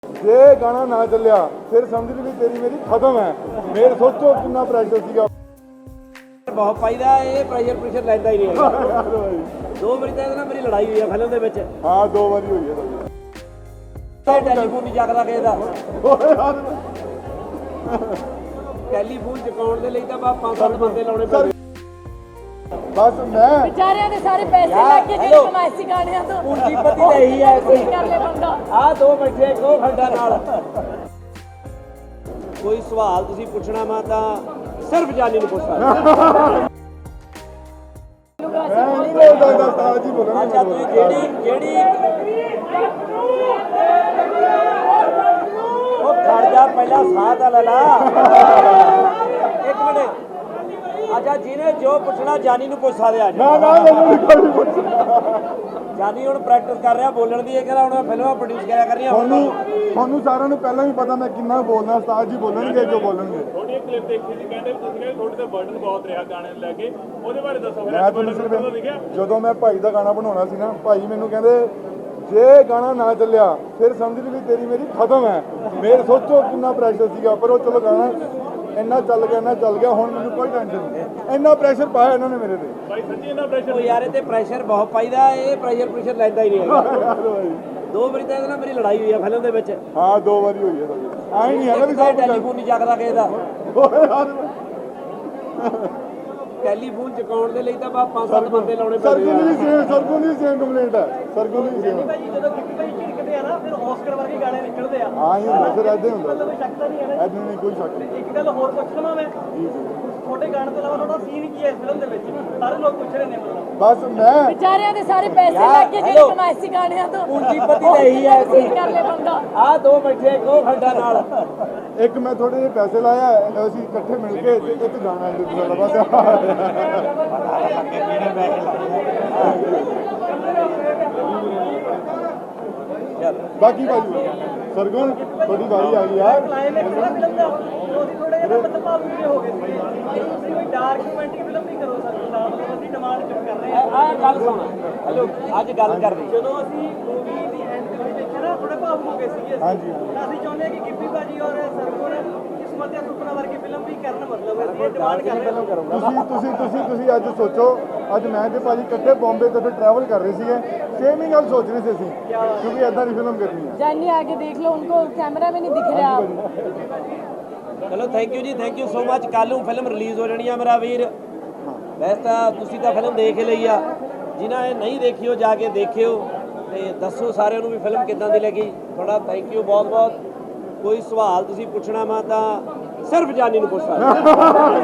ਜੇ ਗਾਣਾ ਨਾ ਚੱਲਿਆ ਫਿਰ ਸਮਝ ਲਈ ਵੀ ਤੇਰੀ ਮੇਰੀ ਖਤਮ ਹੈ। ਮੇਰੇ ਸੋਚੋ ਕਿੰਨਾ ਪ੍ਰੈਸ਼ਰ ਸੀਗਾ। ਬਹੁਤ ਪਾਈਦਾ ਇਹ ਪ੍ਰੈਸ਼ਰ ਲੈਂਦਾ ਹੀ ਨਹੀਂ ਹੈਗਾ। ਦੋ ਵਾਰੀ ਤਾਂ ਇਹਦੇ ਨਾਲ ਮੇਰੀ ਲੜਾਈ ਹੋਈ ਆ ਫਿਲਮ ਦੇ ਵਿੱਚ। ਹਾਂ 2 ਵਾਰੀ ਹੋਈ ਹੈ ਇਹ ਟੈਲੀਫੋਨ ਨਹੀਂ ਚੱਕਦਾ ਕਿਸੇ ਦਾ। ਸਾਡੀ। ਟੈਲੀਫੋਨ ਚੁਕਾਉਣ ਦੇ ਲਈ ਤਾਂ ਬਾ 5-7 ਬੰਦੇ ਲਾਉਣੇ ਪੈਂਦੇ। ਬਸ ਮੈਂ ਵਿਚਾਰਿਆਂ ਦੇ ਸਾਰੇ ਪੈਸੇ ਲੱਗ ਕੇ ਜਿਹੜੇ ਕਮਾਏ ਸੀ ਗਾਣਿਆਂ ਤੋਂ ਪੂੰਜੀਪਤੀ ਤਾਂ ਇਹੀ ਹੈ। ਕੀ ਕਰ ਲੈ ਬੰਦਾ। ਆਹ ਦੋ ਬੈਠੇ ਕੋ ਖੰਡਾ ਨਾਲ। ਕੋਈ ਸਵਾਲ ਤੁਸੀਂ ਪੁੱਛਣਾ ਵਾ ਤਾਂ ਸਿਰਫ ਜਾਨੀ ਨੂੰ ਪੁੱਛ ਸਕਦੇ। ਮੈਂ ਨਹੀਂ ਬੋਲਦਾ ਉਸਤਾਦ ਜੀ ਬੋਲਣਾ। ਅੱਛਾ ਤੁਸੀਂ ਜਿਹੜੀ ਉਹ ਖੜ ਜਾ ਪਹਿਲਾਂ ਸਾਹ ਤਾਂ ਲੈ ਲਾ। ਇੱਕ ਮਿੰਟ। ਅੱਛਾ ਜਿਹਨੇ ਜੋ ਪੁੱਛਣਾ ਜਾਨੀ ਨੂੰ ਪੁੱਛ ਸਕਦੇ ਅੱਜ। ਨਾ ਮੈਨੂੰ ਨਹੀਂ ਕੋਈ ਪੁੱਛਣਾ। ਜਾਨੀ ਹੁਣ ਪ੍ਰੈਕਟਿਸ ਕਰ ਰਿਹਾ ਬੋਲਣ ਦੀ। ਇਹ ਕਹਿੰਦਾ ਹੁਣ ਮੈਂ ਫਿਲਮਾਂ ਪ੍ਰੋਡਿਊਸ ਕਰਿਆ ਕਰ ਰਹੀਆਂ। ਤੁਹਾਨੂੰ ਸਾਰਿਆਂ ਨੂੰ ਪਹਿਲਾਂ ਵੀ ਪਤਾ ਮੈਂ ਕਿੰਨਾ ਬੋਲਦਾ। ਉਸਤਾਦ ਜੀ ਬੋਲਣਗੇ ਜੋ ਬੋਲਣਗੇ। ਥੋੜੀ ਕਲਿੱਪ ਦੇਖੀ ਸੀ ਕਹਿੰਦੇ ਤੁਸੀਂ ਕਹਿੰਦੇ ਤੁਹਾਡੇ ਤੇ ਬਰਡਨ ਬਹੁਤ ਰਿਹਾ ਗਾਣੇ ਨੂੰ ਲੈ ਕੇ ਉਹਦੇ ਬਾਰੇ ਦੱਸੋ। ਮੈਂ ਤੁਹਾਨੂੰ ਸਿਰਫ ਜਦੋਂ ਮੈਂ ਭਾਈ ਦਾ ਗਾਣਾ ਬਣਾਉਣਾ ਸੀ ਨਾ ਭਾਈ ਮੈਨੂੰ ਕਹਿੰਦੇ ਜੇ ਗਾਣਾ ਨਾ ਚੱਲਿਆ ਫਿਰ ਸਮਝ ਲਈ ਵੀ ਤੇਰੀ ਮੇਰੀ ਖਤਮ ਹੈ। ਮੇਰੇ ਸੋਚੋ ਕਿੰਨਾ ਪ੍ਰੈਸ਼ਰ ਸੀਗਾ। ਪਰ ਉਹ ਚਲੋ ਗਾਣਾ ਇੰਨਾ ਚੱਲ ਗਿਆ ਹੁਣ ਮੈਨੂੰ ਕੋਈ ਟੈਨਸ਼ਨ ਨਹੀਂ। ਇੰਨਾ ਪ੍ਰੈਸ਼ਰ ਪਾਇਆ ਇਹਨਾਂ ਨੇ ਮੇਰੇ ਤੇ। ਭਾਈ ਸੱਚੀ ਇੰਨਾ ਪ੍ਰੈਸ਼ਰ। ਉਹ ਯਾਰ ਇਹ ਤੇ ਪ੍ਰੈਸ਼ਰ ਬਹੁਤ ਪਾਈਦਾ ਇਹ ਪ੍ਰੈਸ਼ਰ ਲੈਂਦਾ ਹੀ ਨਹੀਂ ਹੈਗਾ। ਦੋ ਵਾਰੀ ਤਾਂ ਇਹਦੇ ਨਾਲ ਮੇਰੀ ਲੜਾਈ ਹੋਈ ਆ ਫਿਲਮ ਦੇ ਵਿੱਚ। ਹਾਂ 2 ਵਾਰੀ ਹੋਈ ਹੈ ਸਾਡੀ। ਆਈ ਨਹੀਂ ਹੈਗਾ ਵੀ ਸਭ ਟੈਲੀਫੋਨ ਨਹੀਂ ਚੱਕਦਾ ਕਿਸੇ ਦਾ। ਕੁਝ ਟੈਲੀਫੋਨ ਚੁਕਾਉਣ ਦੇ ਲਈ ਤਾਂ ਬਾ 5-7 ਬੰਦੇ ਲਾਉਣੇ ਪੈਂਦੇ ਆ। ਸਰਗੁਣ ਦੀ ਸੇਮ ਕੰਪਲੇਂਟ ਹੈ। ਸਰਗੁਣ ਦੀ ਸੇਮ। ਜਦੋਂ ਗਿੱਪੀ ਭਾਈ ਝਿੜਕਦੇ ਆ ਨਾ ਫਿਰ ਆਸਕਰ ਵਰਗੇ ਗਾਣੇ ਨਿਕਲਦੇ ਆ। ਹਾਂ ਇਹ ਹੁੰਦਾ ਫਿਰ ਐਦਾਂ ਹੀ ਹੁੰਦਾ। ਕੋਈ ਸ਼ੱਕ ਤਾਂ ਨਹੀਂ ਹੈ ਨਾ। ਐਦਾਂ ਨਹੀਂ ਕੋਈ ਸ਼ੱਕ ਨਹੀਂ। ਇੱਕ ਗੱਲ ਹੋਰ ਪੁੱਛ ਲਵਾਂ ਮੈਂ ਤੁਹਾਡੇ ਗਾਣੇ ਤੋਂ ਇਲਾਵਾ ਤੁਹਾਡਾ ਸੀਨ ਕੀ ਹੈ ਇਸ ਫਿਲਮ ਦੇ ਵਿੱਚ ਸਾਰੇ ਲੋਕ ਪੁੱਛ ਰਹੇ ਨੇ ਮਤਲਬ। ਬਸ ਮੈਂ ਵਿਚਾਰਿਆਂ ਦੇ ਸਾਰੇ ਪੈਸੇ ਲੱਗ ਕੇ ਜਿਹੜੇ ਕਮਾਏ ਸੀ ਗਾਣਿਆਂ ਤੋਂ ਪੂੰਜੀਪਤੀ ਤਾਂ ਇਹੀ ਹੈ। ਕੀ ਕਰ ਲੈ ਬੰਦਾ। ਆਹ ਦੋ ਬੈਠੇ ਕੋ ਖੰਡਾ ਨਾਲ। ਇੱਕ ਮੈਂ ਥੋੜੇ ਜਿਹੇ ਪੈਸੇ ਲਾਇਆ ਅਸੀਂ ਇਕੱਠੇ ਮਿਲ ਕੇ ਤੇ ਇੱਕ ਗਾਣਾ ਲਿਖ ਲਿਆ ਬਸ। ਬਾਕੀ ਭਾਜੀ ਸਰਗੁਣ ਤੁਹਾਡੀ ਵਾਰੀ ਆ ਗਈ ਯਾਰ। ਕਲਾਈਮੈਕਸ ਦਾ ਫਿਲਮ ਦਾ ਉਹਦੀ ਥੋੜੇ ਜਿਹਾ ਮਤਲਬ ਭਾਵੁਕ ਹੋ ਗਏ ਸੀ। ਤੁਸੀਂ ਕੋਈ ਡਾਰਕ ਰੋਮਾਂਟਿਕ ਫਿਲਮ ਨਹੀਂ ਕਰੋ ਸਰ ਸਾਹਿਬ। ਅਸੀਂ ਡਿਮਾਂਡ ਕਰ ਰਹੇ ਹਾਂ। ਆਹ ਗੱਲ ਸੁਣ। ਹੈਲੋ ਅੱਜ ਗੱਲ ਕਰਦੇ। ਜਦੋਂ ਅਸੀਂ ਮੂਵੀ ਦੀ ਐਂਡ ਦੇ ਵਿੱਚ ਦੇਖਿਆ ਨਾ ਥੋੜੇ ਭਾਵੁਕ ਹੋ ਗਏ ਸੀਗੇ ਅਸੀਂ। ਹਾਂਜੀ। ਤਾਂ ਅਸੀਂ ਚਾਹੁੰਦੇ ਹਾਂ ਕਿ ਗਿੱਪੀ ਭਾਜੀ ਔਰ ਸਰਗੁਣ ਕਿਸਮਤ ਦੇ ਸੁਪਨਾ ਵਰਗੀ ਫਿਲਮ ਵੀ ਕਰਨ ਮਤਲਬ ਅਸੀਂ ਇਹ ਡਿਮਾਂਡ ਕਰ ਰਹੇ ਹਾਂ। ਤੁਸੀਂ ਅੱਜ ਸੋਚੋ ਅੱਜ ਮੈਂ ਤੇ ਭਾਜੀ ਇਕੱਠੇ ਬੰਬੇ ਤੋਂ ਟਰੈਵਲ ਕਰ ਰਹੇ ਸੀਗੇ। ਸੇਮ ਹੀ ਗੱਲ ਸੋਚ ਰਹੇ ਸੀ ਅਸੀਂ ਕਿਉਂਕਿ ਐਦਾਂ ਦੀ ਫਿਲਮ ਕਰਨੀ ਹੈ। जानी आगे देख लो उनको कैमरा में नहीं दिख रहा आप। ਚਲੋ thank you ji thank you so much. ਕੱਲ ਨੂੰ ਫਿਲਮ ਰਿਲੀਜ਼ ਹੋ ਜਾਣੀ ਆ ਮੇਰਾ ਵੀਰ। ਵੈਸੇ ਤਾਂ ਤੁਸੀਂ ਤਾਂ ਫਿਲਮ ਦੇਖ ਹੀ ਲਈ ਆ। ਜਿਨ੍ਹਾਂ ਇਹ ਨਹੀਂ ਦੇਖੀ ਉਹ ਜਾ ਕੇ ਦੇਖਿਓ ਤੇ ਦੱਸੋ ਸਾਰਿਆਂ ਨੂੰ ਵੀ ਫਿਲਮ ਕਿੱਦਾਂ ਦੀ ਲੱਗੀ। ਤੁਹਾਡਾ ਥੈਂਕ ਯੂ ਬਹੁਤ ਬਹੁਤ। ਕੋਈ ਸਵਾਲ ਤੁਸੀਂ ਪੁੱਛਣਾ ਵਾ ਤਾਂ ਸਿਰਫ ਜਾਨੀ ਨੂੰ ਪੁੱਛ ਸਕਦੇ।